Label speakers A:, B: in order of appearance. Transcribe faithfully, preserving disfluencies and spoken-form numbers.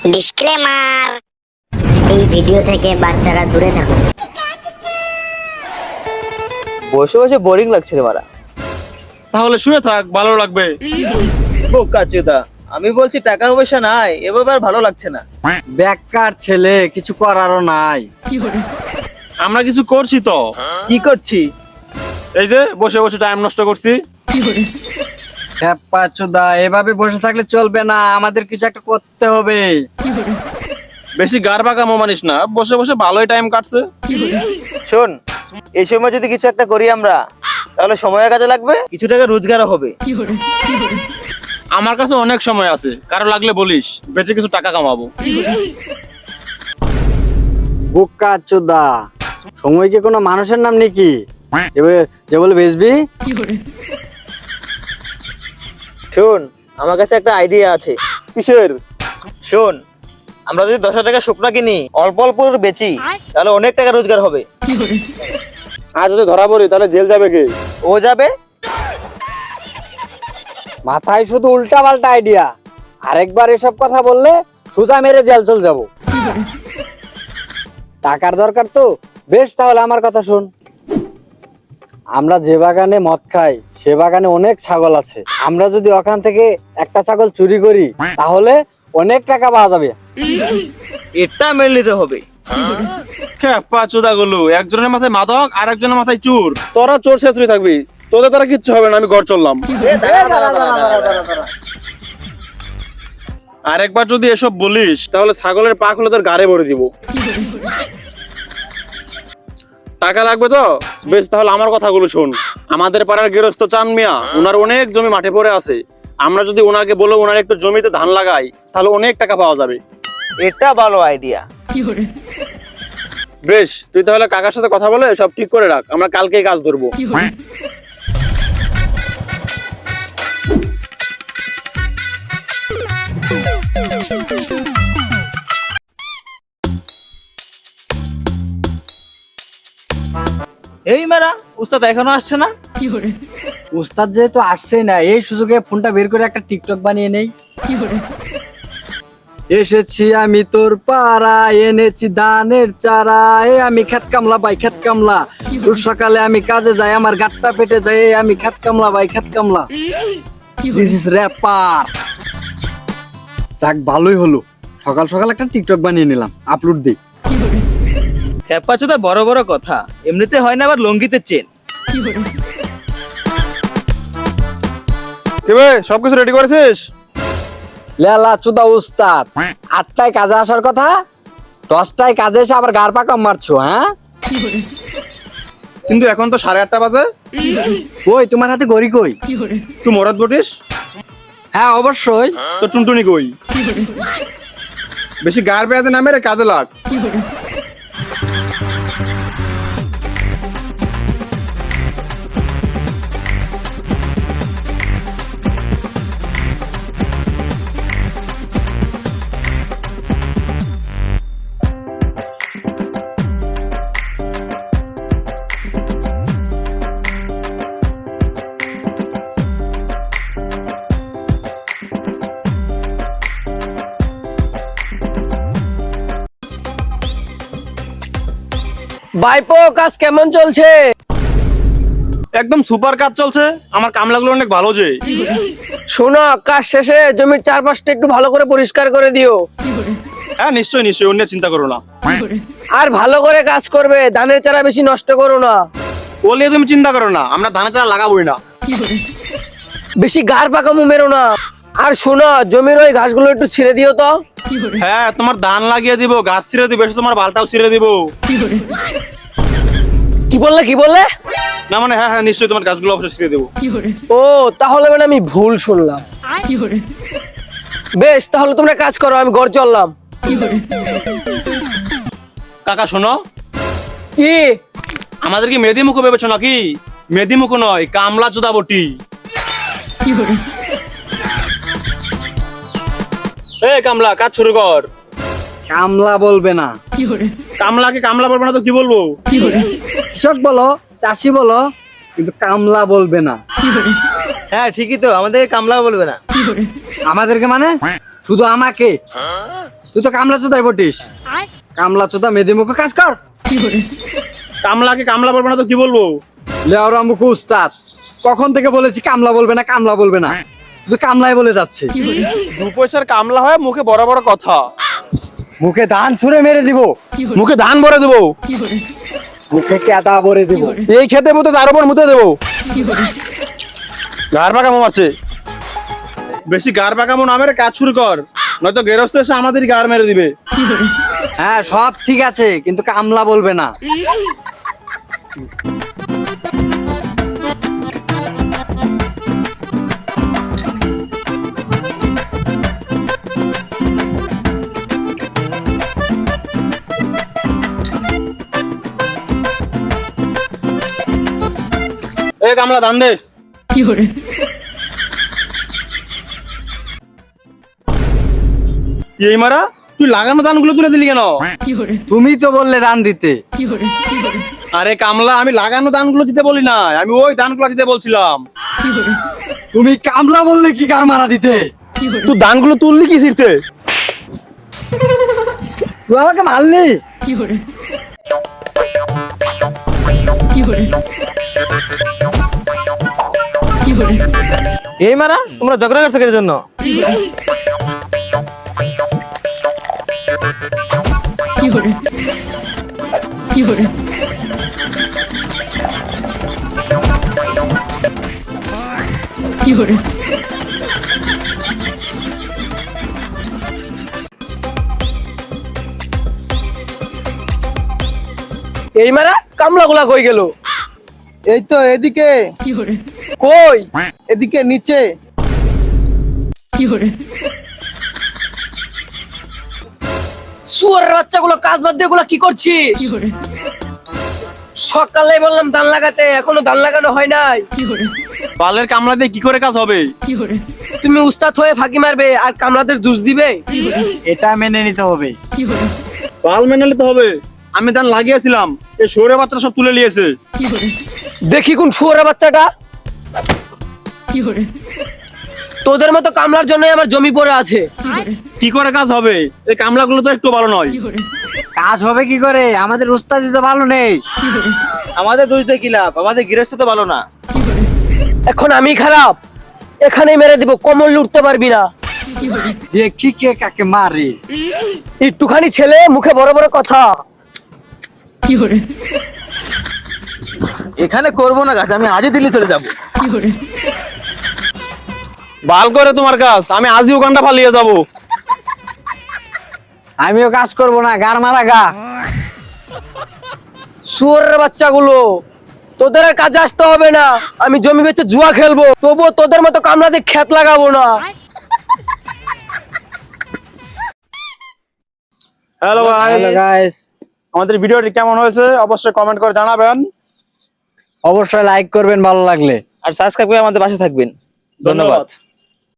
A: Disclaimer, এই video থেকে বাচ্চারা দূরে থাকুন।
B: বসে বসে বোরিং লাগছে রে মারা।
C: তাহলে শুয়ে থাক, ভালো লাগবে।
B: বোকা চোদা, আমি বলছি টাকা পয়সা নাই, এভাবে আর ভালো লাগছে না।
D: বেকার ছেলে, কিছু করারও নাই।
C: আমরা কিছু করছি তো।
B: কি করছি?
C: এই যে বসে বসে টাইম নষ্ট করছি।
D: চোদা, এভাবে বসে থাকলে চলবে না, আমাদের কিছু একটা করতে হবে।
C: বেশি গার বাঁকা মানিস না, বসে বসে ভালোই টাইম কাটছে।
B: শোন, এই সময় যদি কিছু একটা করি আমরা, তাহলে সময় কাজে লাগবে, কিছু টাকা রোজগারও হবে।
C: আমার কাছে অনেক সময় আছে, কারো লাগলে বলিস, বেঁচে কিছু টাকা কামাবো।
D: বোকা চোদা, সময় কি কোনো মানুষের নাম নাকি যে বলে বেচবি?
B: শোন, আমার কাছে একটা আইডিয়া আছে।
C: কিসের?
B: শোন, আমরা যদি দশ হাজার টাকা শুকনা কিনি, অল্প অল্প বেচি, তাহলে অনেক টাকা রোজগার হবে।
C: আর যদি ধরা পড়ি তাহলে জেল যাবে কে?
B: ও যাবে।
D: মাথায় শুধু উল্টা পাল্টা আইডিয়া, আরেকবার এসব কথা বললে সোজা মেরে জেল চল যাব। টাকার দরকার তো, বেশ তাহলে আমার কথা শোন। আমরা যে বাগানে মদ খাই, সে বাগানে অনেক ছাগল আছে। আমরা যদি ওখান থেকে একটা ছাগল চুরি করি, তাহলে অনেক টাকা পাওয়া যাবে।
B: এটা মেনে নিতে হবে।
C: খেপা চোদা গুলো, একজনের মাথায় মাদক আর একজনের মাথায় চোর। তোরা চোর শেষরি থাকবি, তোদের দ্বারা কিচ্ছু হবে না, আমি ঘর চললাম। আরেকবার যদি এসব বলিস, তাহলে ছাগলের পা খুলে তোর গাড়ে ভরে দিব। টাকা লাগবে তো বেশ, তাহলে আমার কথাগুলো শোন। আমাদের পাড়ার গৃহস্থ চান মিয়া, ওনার অনেক জমি মাঠে পড়ে আছে। আমরা যদি ওনাকে বলো ওনার একটু জমিতে ধান লাগাই, তাহলে অনেক টাকা পাওয়া যাবে।
B: এটা ভালো আইডিয়া।
C: বেশ, তুই তাহলে কাকার সাথে কথা বলে সব ঠিক করে রাখ, আমরা কালকেই কাজ ধরবো।
B: এই মারা, উস্তাদ এখনো আসছে না?
D: উস্তাদ যেহেতু আসছেই না, এই সুযোগে ফোনটা বের করে একটা টিকটক বানিয়ে নেই। এসেছি আমি তোর পাড়া, এনেছি ধানের চারা, এ আমি খেত কামলা ভাই খেত কামলা। তোর সকালে আমি কাজে যাই, আমার গাট্টা পেটে যায়, এ আমি খেত কামলা ভাই খেত কামলা। This is rapper. যাক, ভালোই হলো, সকাল সকাল একটা টিকটক বানিয়ে নিলাম, আপলোড দিই।
B: খেপা চোদা বড় বড় কথা, এমনিতে হয় না, আবার লঙ্গিতে চেন।
C: কি বে, সবকিছু রেডি করেছিস?
D: লেলা চুদা উস্তাদ, আটটায় কাজে আসার কথা, দশটায় কাজে এসে আবার গার পাকা মারছো। হ্যাঁ,
C: কিন্তু এখন তো সাড়ে আটটা বাজে।
D: কই তোমার হাতে ঘড়ি কই?
C: তুই মরাদ বটিস?
D: হ্যাঁ অবশ্যই।
C: তো টুনটুনি কই? বেশি গার পেঁয়াজে নামে রে, কাজে লাগ।
E: বাইপো, কাজ কেমন চলছে?
C: একদম সুপার কাজ চলছে, আমার কামলাগুলো অনেক ভালো। যে
E: শোনো, কাজ শেষে জমির চারপাশটা একটু ভালো করে পরিষ্কার করে দিও।
C: হ্যাঁ নিশ্চয়ই নিশ্চয়ই, অন্য চিন্তা করো না।
E: আর ভালো করে কাজ করবে, ধানের চারা বেশি নষ্ট করো না।
C: ওলিয়ে তুমি চিন্তা করো না, আমরা ধানের চারা লাগাবোই না।
E: বেশি গার পাকামো মেরো না। আর শোনো, জমির ওই ঘাসগুলো একটু ছিঁড়ে দিও তো।
C: হ্যাঁ, তোমার ধান লাগিয়ে দিব, গাছ ছিঁড়ে দিব, এসে তোমার বালটাও ছিঁড়ে দিব।
E: কি বললে কি বললে?
C: না মানে হ্যাঁ হ্যাঁ নিশ্চয়ই, তোমার গাছগুলো অবশ্যই ছিঁড়ে দেবো।
E: ও, তাহলে মানে আমি ভুল শুনলাম। বেশ, তাহলে তোমরা কাজ করো, আমি ঘর চললাম।
C: কাকা শোনো,
E: কি
C: আমাদের কি মেদি মুখো ভেবেছো নাকি? মেদি মুখো নয়, কামলা চোদা বটি। এই কামলা, কাজ শুরু কর।
D: কামলা বলবে না।
C: কামলাকে কামলা বলবো না তো কি বলবো?
D: কৃষক বলো, চাষি বলো, কিন্তু কামলা বলবে না।
B: হ্যাঁ ঠিকই তো, আমাদের কামলা বলবে না।
D: আমাদেরকে মানে শুধু আমাকে। তুই তো কামলা চোদাই বটিস, কামলা চোদা মেদি মুখে কাজ কর।
C: কামলাকে কামলা বলবো না তো কি বলবো?
D: লেওরা মুখে উস্তাদ, কখন থেকে বলেছি কামলা বলবে না, কামলা বলবে না, তুই কামলাই বলে যাচ্ছে।
C: দু পয়সার কামলা হয় মুখে বড় বড় কথা,
D: মুখে ধান ছুঁড়ে মেরে দিব,
C: মুখে ধান ভরে দেবো,
D: মুখে কেদা ভরে দিব,
C: এই খেতে মতো তার উপর মুতে দেবো। গার পাকামো মারছে, বেশি গার পাকামো নামের কাজ শুরু কর, নয়তো গেরস্ত এসে আমাদের গার মেরে দিবে।
D: হ্যাঁ সব ঠিক আছে, কিন্তু কামলা বলবে না।
C: এ কামলা ধান দে। এই মারা, তুই লাগানো ধানগুলো তুলে দিলি কেন?
D: তুমি তো বললে ধান দিতে।
C: আরে কামলা, আমি লাগানো ধানগুলো দিতে বলি না, আমি ওই ধানগুলো দিতে বলছিলাম।
D: তুমি কামলা বললে কি কার মারা দিতে?
C: তুই ধানগুলো তুললি কি ছিড়তে?
D: তুই আমাকে মারলি?
B: এই মারা, তোমরা ঝগড়া করছো কিসের জন্য?
E: এই মারা কামলা গুলা কই গেল?
B: এই তো এদিকে,
E: কই?
B: এদিকে নিচে।
E: শুয়োরের বাচ্চাগুলো কাজ বাদ দিয়ে গুলা কি করছিস? সকালে বললাম ধান লাগাতে, এখনো ধান লাগানো হয় নাই।
C: পালের কামলা দিয়ে কি করে কাজ হবে?
E: তুমি উস্তাদ হয়ে ফাঁকি মারবে আর কামলাদের দোষ দিবে?
D: এটা মেনে নিতে হবে।
C: পাল মেনে নিতে হবে। আমি ধান লাগিয়েছিলাম, এই শোরে বাচ্চারা সব তুলে নিয়েছে।
E: দেখি কোন শুয়োরের বাচ্চাটা। তোদের মতো কামলার জন্যই আমার জমি পড়ে আছে।
C: কি করে কাজ হবে? এই কামলাগুলো তো একটু ভালো নয়।
D: কাজ হবে কি করে? আমাদের উস্তাদি তো ভালো নেই।
B: আমাদের দোষ দিয়ে কি লাভ? আমাদের গৃহস্থ তো ভালো না।
E: এখন আমি খারাপ, এখানেই মেরে দিব, কমল লুটতে পারবি না।
D: দেখি কে কাকে মারে।
E: একটুখানি ছেলে, মুখে বড় বড় কথা।
B: এখানে করবো না কাজ, আমি আজই দিল্লি চলে যাবো।
C: ভাল করে তোমার কাজ, আমি আজই ওখানটা পালিয়ে যাব।
D: আমিও কাজ করব না, গার মারা গা।
E: শুয়োরের বাচ্চাগুলো, তোদের আর কাজে আসতে হবে না। আমি জমি বেচে জুয়া খেলবো, তবুও তোদের মতো কামলাতে খেত লাগাবো না।
C: হ্যালো
D: হ্যালো
C: গাইস,
D: গাইস,
C: আমাদের ভিডিওটি কেমন হয়েছে অবশ্যই কমেন্ট করে জানাবেন।
D: অবশ্যই লাইক করবেন ভালো লাগলে।
B: আর সাবস্ক্রাইব করে আমাদের পাশে থাকবেন। ধন্যবাদ।